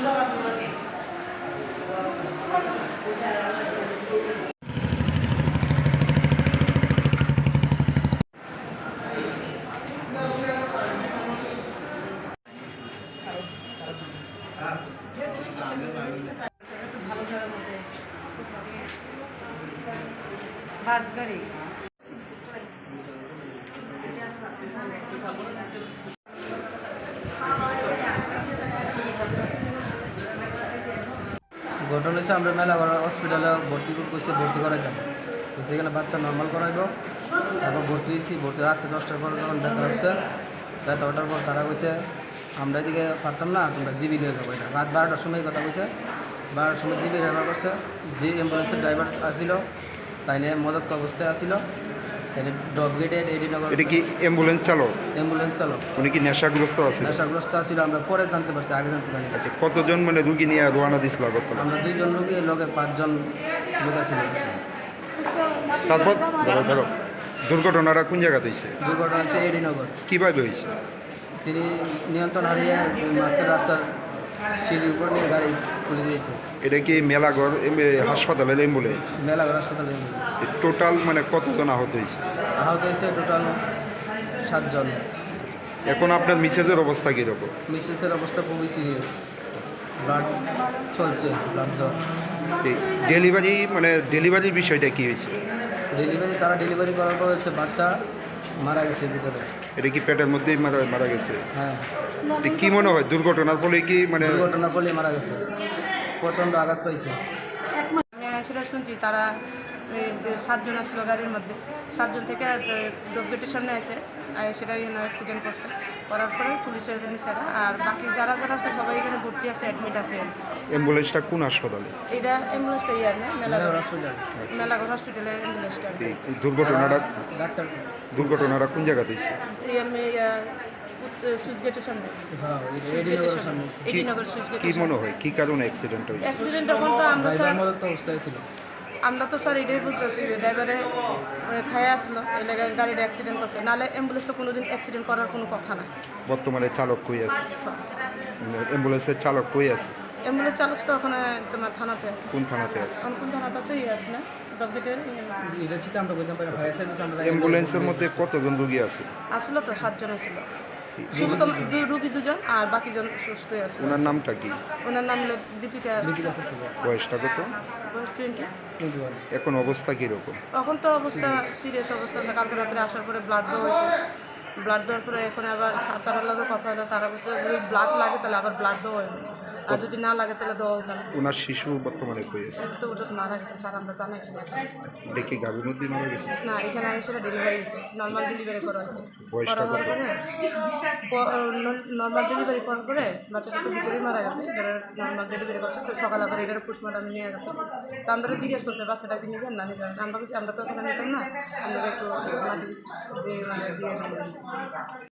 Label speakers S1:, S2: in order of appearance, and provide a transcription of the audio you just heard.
S1: বাস গাড়ি
S2: ঘটনা হচ্ছে আমরা মেলাগড় হসপিটালে ভর্তি করা যাব তো সেখানে বাচ্চা নর্মাল করাইব। তারপর ভর্তি হয়েছি, ভর্তি রাত্রে 10টার পর যখন ব্যথা হচ্ছে, ব্যথা ওঠার পর তারা কইছে আমরা এদিকে পারতাম না, তোমরা জিবি নিয়ে যাবো। এটা রাত 12টার সময় কথা কইছে। 12টার সময় জিবি ব্যবহার করছে। যে অ্যাম্বুলেন্সের ড্রাইভার আসছিল তাই নিয়ে মদক্ত অবস্থায় আসছিল। তাই ডব গেটের এডিনগর।
S3: এটা কি অ্যাম্বুলেন্স চালক?
S2: অ্যাম্বুলেন্স চালক।
S3: উনি কি নেশাগ্রস্ত আছে?
S2: নেশাগ্রস্ত আছিল, আমরা পরে জানতে পারছি, আগে জানতে পারিনি।
S3: আচ্ছা, কতজন মানে রুগী নিয়ে রওনা দিছিল আগরতলা?
S2: আমরা 2 জন রুগী, লগে 5 জন লোক আছিল।
S3: তারপর ধরো দুর্ঘটনাটা কোন জায়গাতে হয়েছে?
S2: দুর্ঘটনা হচ্ছে এডিনগর।
S3: কীভাবে হয়েছে?
S2: তিনি নিয়ন্ত্রণ হারিয়ে মাঝখানে রাস্তার সিঁড়ির উপর নিয়ে গাড়ি তুলে দিয়েছে।
S3: এটা কি মেলাঘর হাসপাতালের অ্যাম্বুলেন্স?
S2: মেলাঘর হাসপাতালে
S3: টোটাল মানে কতজন আহত হয়েছে?
S2: আহত হয়েছে টোটাল 7 জন।
S3: এখন আপনার মিসেসের অবস্থা কীরকম?
S2: মিসেসের অবস্থা খুবই সিরিয়াস, ব্লাড চলছে, ব্লাড দেওয়া।
S3: ডেলিভারির বিষয়টা কী হয়েছে?
S2: তারা ডেলিভারি করার পর হচ্ছে বাচ্চা মারা গেছে ভিতরে।
S3: এটা কি পেটের মধ্যেই মারা গেছে?
S2: হ্যাঁ।
S3: কি মনে হয় দুর্ঘটনার ফলে কি
S2: দুর্ঘটনার ফলে মারা গেছে, প্রচণ্ড আঘাত পাইছে।
S1: আমি সেটা শুনছি তারা 7 জন আসছিল গাড়ির মধ্যে। 7 জন থেকে গেটের সামনে এসে সেটা অ্যাক্সিডেন্ট করছে। করার পরে পুলিশের নিচে, আর বাকি যারা আছে সবাই এখানে ভর্তি আছে, অ্যাডমিট আছে।
S3: অ্যাম্বুলেন্সটা কোন হাসপাতালে?
S1: এটা অ্যাম্বুলেন্সটা না মেলাঘর হসপিটাল। মেলাঘর হসপিটালের অ্যাম্বুলেন্সটা।
S3: দুর্ঘটনাটা কোন জায়গাতে হয়েছে?
S1: আমি সুইচ গেটের সামনে।
S3: কি মনে হয় কি কারণে অ্যাক্সিডেন্ট হয়েছে?
S1: অ্যাক্সিডেন্ট তখন তো আমরা তো স্যার এটাই বলতেছি যে ড্রাইভারে খায় আসলো, এই জায়গায় গাড়িটা অ্যাক্সিডেন্ট করছে, নাহলে অ্যাম্বুলেন্স তো কোনোদিন অ্যাক্সিডেন্ট করার কোনো কথা না।
S3: বর্তমানে চালক কই আছে? অ্যাম্বুলেন্সের চালক কই আছে?
S1: অ্যাম্বুলেন্স চালক তো ওখানে তোমার থানাতে আছে।
S3: কোন থানাতে আছে?
S1: কোন থানাতে আছে না
S3: অ্যাম্বুলেন্সের মধ্যে কতজন রোগী আছে?
S1: আসলো তো 7 জন আসলো, সুস্থ রোগী 2 জন আর বাকি জন সুস্থই আছে।
S3: ওনার নামটা কি?
S1: ওনার নাম হলো দীপিকা।
S3: বয়সটা কত?
S1: বয়স 20।
S3: এখন অবস্থা কীরকম?
S1: এখন তো অবস্থা সিরিয়াস অবস্থা আছে। কালকে রাত্রে আসার পরে ব্লাড দেওয়া হয়েছে। ব্লাড দেওয়ার পরে এখন আবার তারা লাগে কথা হলো, তারা বলছে যদি ব্লাড লাগে তাহলে আবার ব্লাড দেওয়া হবে, আর যদি না লাগে তাহলে দেওয়া হতো না।
S3: ওনার শিশু বর্তমানে কই আছে?
S1: তো ওটা তো মারা গেছে স্যার, আমরা জানাইছি না।
S3: দেখি গাভীর মধ্যে মারা গেছে
S1: না, এখানে এসে ডেলিভারি হয়েছে, নর্মাল ডেলিভারি করা হয়েছে।
S3: বয়সটা কত?
S1: নর্মাল ডেলিভারি করার পরে বাচ্চাটা তো ভিতরেই মারা গেছে। যারা নর্মাল ডেলিভারি করছে তো সকালে আবার এটার পোস্টমর্টম নিয়ে গেছে। তো আমরা জিজ্ঞেস করছে বাচ্চাটাকে নিবেন না নিবেন, আমরা বলছি আমরা তো ওখানে নিতাম না, আমরা একটু মাটি দিয়ে দিয়ে